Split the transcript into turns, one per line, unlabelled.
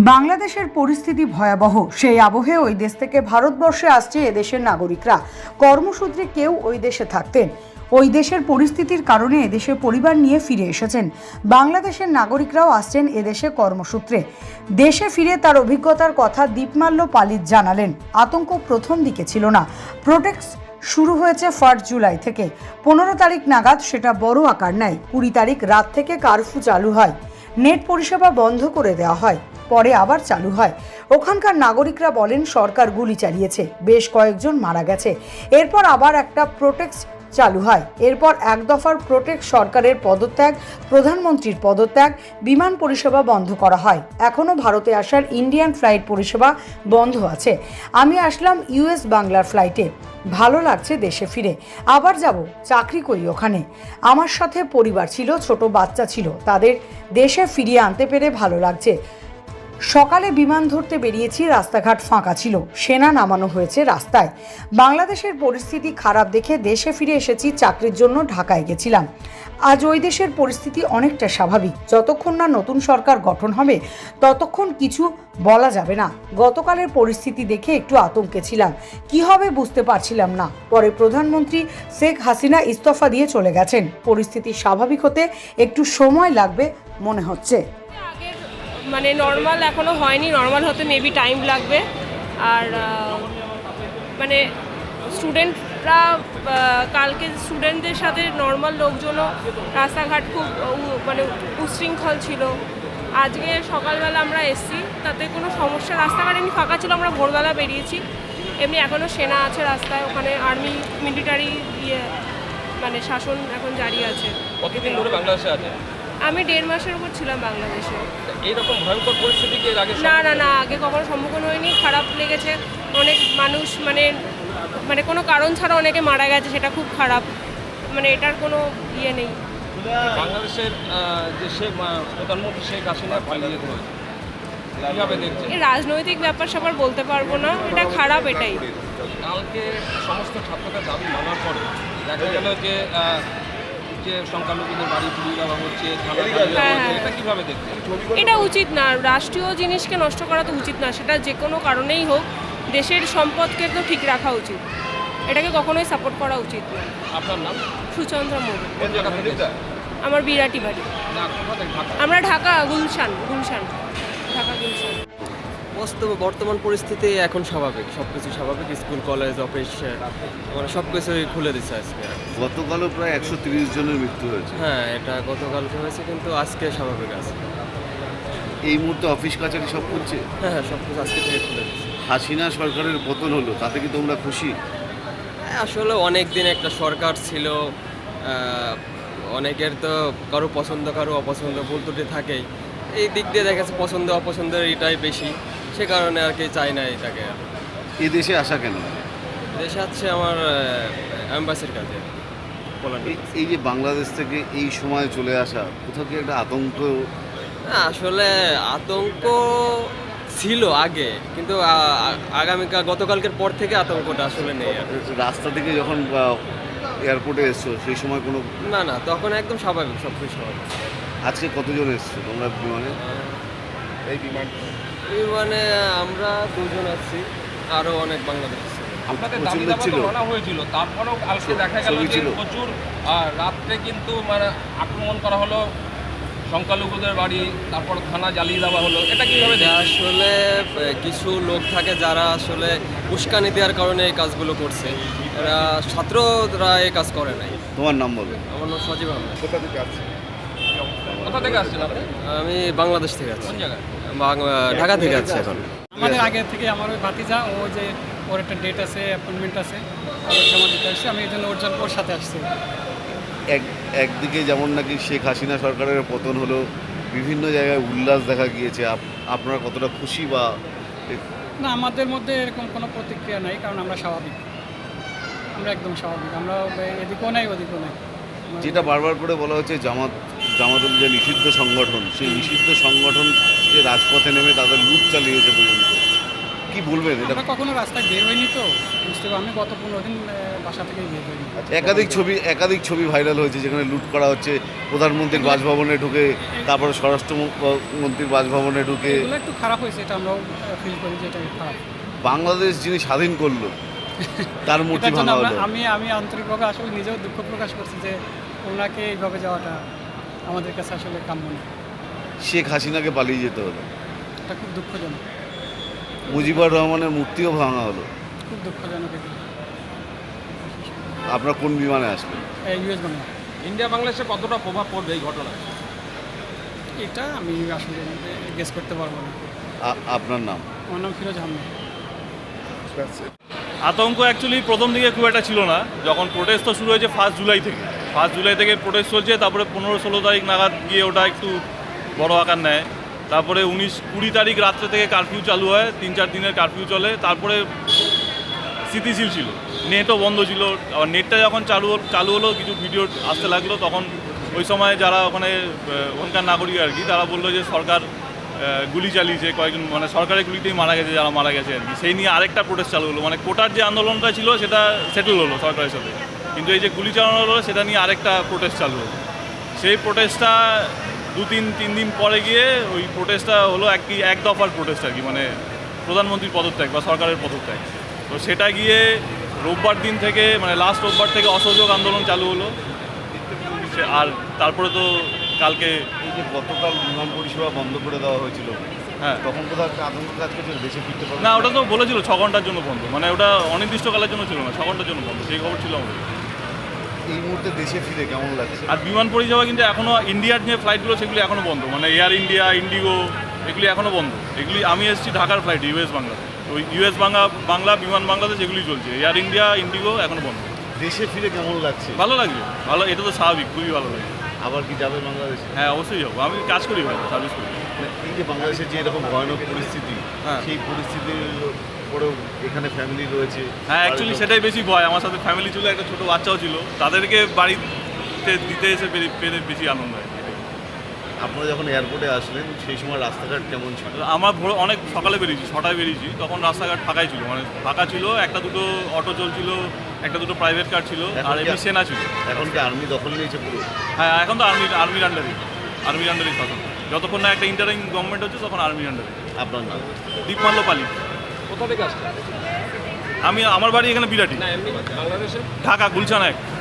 বাংলাদেশের পরিস্থিতি ভয়াবহ। সেই আবহে ওই দেশ থেকে ভারতবর্ষে আসছে এদেশের নাগরিকরা। কর্মসূত্রে কেউ ওই দেশে থাকতেন, ওই দেশের পরিস্থিতির কারণে এদেশে পরিবার নিয়ে ফিরে এসেছেন। বাংলাদেশের নাগরিকরাও আসছেন এদেশে কর্মসূত্রে। দেশে ফিরে তার অভিজ্ঞতার কথা দীপমাল্য পালিত জানালেন। আতঙ্ক প্রথম দিকে ছিল না। প্রোটেক্ট শুরু হয়েছে 1 জুলাই থেকে। 15 তারিখ নাগাদ সেটা বড় আকার নেয়। 20 তারিখ রাত থেকে কারফিউ চালু হয়, নেট পরিষেবা বন্ধ করে দেওয়া হয়, পরে আবার চালু হয়। ওখানকার নাগরিকরা বলেন সরকার গুলি চালিয়েছে, বেশ কয়েকজন মারা গেছে। এরপর আবার একটা প্রোটেক্ট চালু হয়। এরপর এক দফার প্রোটেক্ট সরকারের পদত্যাগ, প্রধানমন্ত্রীর পদত্যাগ, বিমান পরিষেবা বন্ধ করা হয়। এখনও ভারতে আসার ইন্ডিয়ান ফ্লাইট পরিষেবা বন্ধ আছে। আমি আসলাম ইউএস বাংলার ফ্লাইটে। ভালো লাগছে দেশে ফিরে। আবার যাব, চাকরি করি ওখানে। আমার সাথে পরিবার ছিল, ছোট বাচ্চা ছিল। তাদের দেশে ফিরিয়ে আনতে পেরে ভালো লাগছে। সকালে বিমান ধরতে বেরিয়েছি, রাস্তাঘাট ফাঁকা ছিল, সেনা নামানো হয়েছে রাস্তায়। বাংলাদেশের পরিস্থিতি খারাপ দেখে দেশে ফিরে এসেছি। চাকরির জন্য ঢাকায় গেছিলাম। আজ ওই দেশের পরিস্থিতি অনেকটা স্বাভাবিক। যতক্ষণ না নতুন সরকার গঠন হবে ততক্ষণ কিছু বলা যাবে না। গতকালের পরিস্থিতি দেখে একটু আতঙ্কে ছিলাম, কি হবে বুঝতে পারছিলাম না। পরে প্রধানমন্ত্রী শেখ হাসিনা ইস্তফা দিয়ে চলে গেছেন। পরিস্থিতি স্বাভাবিক হতে একটু সময় লাগবে মনে হচ্ছে।
মানে নর্মাল এখনও হয়নি, নর্মাল হতে মেবি টাইম লাগবে। আর মানে স্টুডেন্টরা কালকে স্টুডেন্টদের সাথে নর্মাল লোকজনও রাস্তাঘাট খুব মানে উশৃঙ্খল ছিল। আজকে সকালবেলা আমরা এসছি, তাতে কোনো সমস্যা, রাস্তাঘাট এমনি ফাঁকা ছিল। আমরা ভোরবেলা বেরিয়েছি। এমনি এখনও সেনা আছে রাস্তায়, ওখানে আর্মি মিলিটারি মানে শাসন এখন জারি আছে।
কতদিন ধরে বাংলাদেশে আছে?
আমি 1.5 মাসের উপর ছিলাম বাংলাদেশে।
এইরকম ভয়ঙ্কর পরিস্থিতি কি এর আগে?
না, আগে কখনো সম্মুখীন হয়নি। খারাপ লেগেছে। অনেক মানুষ মানে কোনো কারণ ছাড়া অনেকে মারা গেছে, সেটা খুব খারাপ। মানে এটার কোনো ইয়ে নেই।
বাংলাদেশের যে প্রধানমন্ত্রী শেখ হাসিনা পালিয়ে যেতে হয়েছে, কীভাবে দেখছেন?
এই রাজনৈতিক ব্যাপার স্যাপার বলতে পারবো না, এটা খারাপ। এটাই
কালকে সমস্ত ছাত্রদের দাবি মানার পরে দেখা গেল যে সংখ্যালঘুদের বাড়ি পুড়িয়ে দেওয়া হচ্ছে, এটা কিভাবে দেখছেন?
এটা উচিত না। রাষ্ট্রীয় জিনিসকে নষ্ট করা তো উচিত না, সেটা যে কোনো কারণেই হোক। দেশের সম্পদকে তো ঠিক রাখা উচিত, এটাকে কখনোই সাপোর্ট করা উচিত না।
আপনার নাম?
সুচন্দ্র মোড়।
কোন জায়গা থেকে?
আমার বিরাটি বাড়ি। আমরা ঢাকা গুলশান, ঢাকা গুলশান।
বর্তমান পরিস্থিতি এখন স্বাভাবিক, সব কিছু স্বাভাবিক। স্কুল, কলেজ, অফিস মানে সব কিছুই খুলে দিচ্ছে আজকে।
গতকালও প্রায় 130 জনের মৃত্যু হয়েছে।
হ্যাঁ, এটা গতকালকে হয়েছে, কিন্তু আজকে স্বাভাবিক আছে।
এই মুহূর্তে অফিস কাছারি সব খুলছে।
হ্যাঁ, সব কিছু আজকে থেকে খুলে দিচ্ছে।
হাসিনা সরকারের পতন হলো, তাতে কি তোমরা খুশি?
আসলে অনেক দিন একটা সরকার ছিল, অনেকের তো কারো পছন্দ কারো অপছন্দ, ভুল ত্রুটি থাকেই। এই দিক দিয়ে দেখা যাচ্ছে পছন্দ অপছন্দের এটাই বেশি, সে কারণে আর কি চাই না এটাকে।
এই দেশে আসা কেন?
দেশে আছে আমার অ্যাম্বাসির কাছে।
এই যে বাংলাদেশ থেকে এই সময় চলে আসা, কোথাও কি একটা আতঙ্ক?
আসলে আতঙ্ক ছিল আগে, কিন্তু গতকালকের পর থেকে আতঙ্কটা আসলে নেই।
রাস্তা থেকে যখন এয়ারপোর্টে এসছো সেই সময় কোনো?
না, তখন একদম স্বাভাবিক, সব কিছু স্বাভাবিক।
আজকে কতজন এসছো তোমরা বিমানে?
এই
বিমানে আমরা 2 জন আছি, আরও অনেক বাংলাদেশ আছে।
আপনাদের দাবি দাবা তো মানা হয়েছিল, তারপরেও কালকে দেখা গেল যে প্রচুর রাত্রে কিন্তু মানে আক্রমণ করা হলো সংখ্যালঘুদের বাড়ি, তারপর থানা জ্বালিয়ে দেওয়া হলো। এটা কীভাবে?
আসলে কিছু লোক থাকে যারা আসলে উস্কানি দেওয়ার কারণে এই কাজগুলো করছে। এরা ছাত্ররা এই কাজ করে নাই।
তোমার নাম বলো।
আমার নাম সজীব আহমেদ।
কোথা থেকে আসছেন আপনি?
আমি বাংলাদেশ থেকে আছি।
কোন জায়গায়?
ঢাকা থেকে আছি এখন।
আমাদের আগে থেকে আমার ওই ভাতিজা, ও যে ওর একটা ডেট আছে, অ্যাপয়েন্টমেন্ট আছে, ওর জমা দিতে আসছে। আমি এই জন্য ওর সাথে আসছি।
একদিকে যেমন নাকি শেখ হাসিনা সরকারের পতন হলো, বিভিন্ন জায়গায় উল্লাস দেখা গিয়েছে। আপনারা কতটা খুশি? বা
না, আমাদের মধ্যে এরকম কোনো প্রতিক্রিয়া নাই, কারণ আমরা স্বাভাবিক, আমরা একদম স্বাভাবিক। আমরা এদিকেও নাই ওদিকেও নাই।
যেটা বারবার করে বলা হচ্ছে জামাতুল যে নিষিদ্ধ সংগঠন, সেই নিষিদ্ধ সংগঠন যে রাজপথে নেমে তাদের লুট চালিয়েছে পর্যন্ত, কি বলবেন এটা?
আমরা কখনো রাস্তায় বের হইনি তো বুঝতে পারি, আমি গত 15 দিন বাসা থেকেই বের হইনি।
একাধিক ছবি ভাইরাল হয়েছে যেখানে লুট করা হচ্ছে, প্রধানমন্ত্রীর বাসভবনে ঢুকে, তারপরে স্বরাষ্ট্রমন্ত্রীর বাসভবনে ঢুকে।
এগুলো একটু খারাপ হয়েছে, এটা আমরাও ফিল করি যে এটা খারাপ।
বাংলাদেশ যিনি স্বাধীন করলো তার মূর্তি
এটার জন্য
ভাঙা হলো।
আমি আন্তরিকভাবে আসলে নিজেও দুঃখ প্রকাশ করছি যে ওনাকে এইভাবে যাওয়াটা আমাদের কাছে আসলে কাম্য না।
শেখ হাসিনাকে পালিয়ে যেতে হলো,
এটা খুব দুঃখজনক,
মুজিবুর রহমানের মূর্তিও ভাঙা হলো।
খুব দুঃখজনক।
আপনার কোন বিমানে আসলেন?
ইউএস বাংলা।
ইন্ডিয়া বাংলাদেশে কতটা প্রভাব পড়বে এই ঘটনা?
এটা আমি আসলে গেস করতে পারবো না।
আপনার নাম?
আমার নাম ফিরোজ আহমেদ।
আতঙ্ক অ্যাকচুয়ালি প্রথম দিকে খুব একটা ছিল না, যখন প্রোটেস্ট তো শুরু হয়েছে 1 জুলাই থেকে। 1 জুলাই থেকে প্রোটেস্ট চলছে, তারপরে 15-16 তারিখ নাগাদ গিয়ে ওটা একটু বড় আকার নেয়। তারপরে 19-20 তারিখ রাত্রে থেকে কারফিউ চালু হয়, 3-4 দিনের কারফিউ চলে। তারপরে স্থিতিশীল ছিল, নেটও বন্ধ ছিল। আবার নেটটা যখন চালু হলো, কিছু ভিডিও আসতে লাগলো, তখন ওই সময় যারা ওখানকার নাগরিক আর কি, তারা বললো যে সরকার গুলি চালিয়েছে, কয়েকজন মানে সরকারের গুলিতেই মারা গেছে, যারা মারা গেছে আর কি। সেই নিয়ে আরেকটা প্রোটেস্ট চালু হলো, মানে কোটার যে আন্দোলনটা ছিল সেটা সেটেল হলো সরকারের সাথে, কিন্তু এই যে গুলি চালানো হলো সেটা নিয়ে আরেকটা প্রোটেস্ট চালু হলো। সেই প্রোটেস্টটা 2-3 দিন পরে গিয়ে ওই প্রোটেস্টটা হলো এক দফার প্রোটেস্ট আর কি, মানে প্রধানমন্ত্রীর পদত্যাগ বা সরকারের পদত্যাগ। তো সেটা গিয়ে রোববার দিন থেকে, মানে লাস্ট রোববার থেকে অসহযোগ আন্দোলন চালু হলো। আর তারপরে তো কালকে
এই যে গতকাল বিমান পরিষেবা বন্ধ করে দেওয়া হয়েছিল,
হ্যাঁ,
তখন কোথাও একটা আতঙ্ক কাজ করছে দেশে ফিরতে পারবে
না, ওটা তো বলেছিল 6 ঘন্টার জন্য বন্ধ, মানে ওটা অনির্দিষ্টকালের জন্য ছিল না, 6 ঘন্টার জন্য বন্ধ, সেই খবর ছিল আমাদের।
এই মুহূর্তে দেশে ফিরে কেমন লাগছে?
আর বিমান পরিষেবা কিন্তু এখনও ইন্ডিয়ার যে ফ্লাইটগুলো সেগুলি এখনও বন্ধ, মানে এয়ার ইন্ডিয়া, ইন্ডিগো, এগুলি এখনও বন্ধ। এগুলি আমি এসেছি ঢাকার ফ্লাইট ইউএস বাংলা, ওই ইউএস বাংলা বিমান বাংলাদেশ এগুলি চলছে। এয়ার ইন্ডিয়া, ইন্ডিগো এখনও বন্ধ।
দেশে ফিরে কেমন লাগছে?
ভালো লাগবে, ভালো, এটা তো স্বাভাবিক, খুবই ভালো লাগে।
আবার কি যাবে বাংলাদেশে?
হ্যাঁ, অবশ্যই যাবো, আমি কাজ করি ভাই, সার্ভিস করি।
এই যে বাংলাদেশের যে এরকম ভয়ানক পরিস্থিতি,
হ্যাঁ।
সেই পরিস্থিতির পরেও এখানে ফ্যামিলি রয়েছে।
হ্যাঁ, অ্যাকচুয়ালি সেটাই বেশি ভয়। আমার সাথে ফ্যামিলি ছিল, একটা ছোটো বাচ্চাও ছিল, তাদেরকে বাড়িতে দিতে এসে পেরে বেশি আনন্দ হয়।
আপনারা যখন এয়ারপোর্টে আসলেন সেই সময় রাস্তাঘাট কেমন ছিল?
আমরা অনেক সকালে বেরিয়েছি, 6টায় বেরিয়েছি, তখন রাস্তাঘাট ফাঁকাই ছিল, মানে ফাঁকা ছিল, 1-2 অটো চলছিল, 1-2 প্রাইভেট কার ছিল, আর এমনি সেনা ছিল।
এখন কি আর্মি দখল নিয়েছে পুরো?
হ্যাঁ, এখন তো আর্মির আন্ডারেই শাসন। যতক্ষণ না একটা ইন্টারিম গভর্নমেন্ট হচ্ছে তখন আর্মির আন্ডারে।
আপনার নাম?
দীপমাল্য পালি।
কোথা থেকে আসছে?
আমার বাড়ি এখানে বিরাটি,
না এমনি বাংলাদেশে?
ঢাকা গুলশান 1।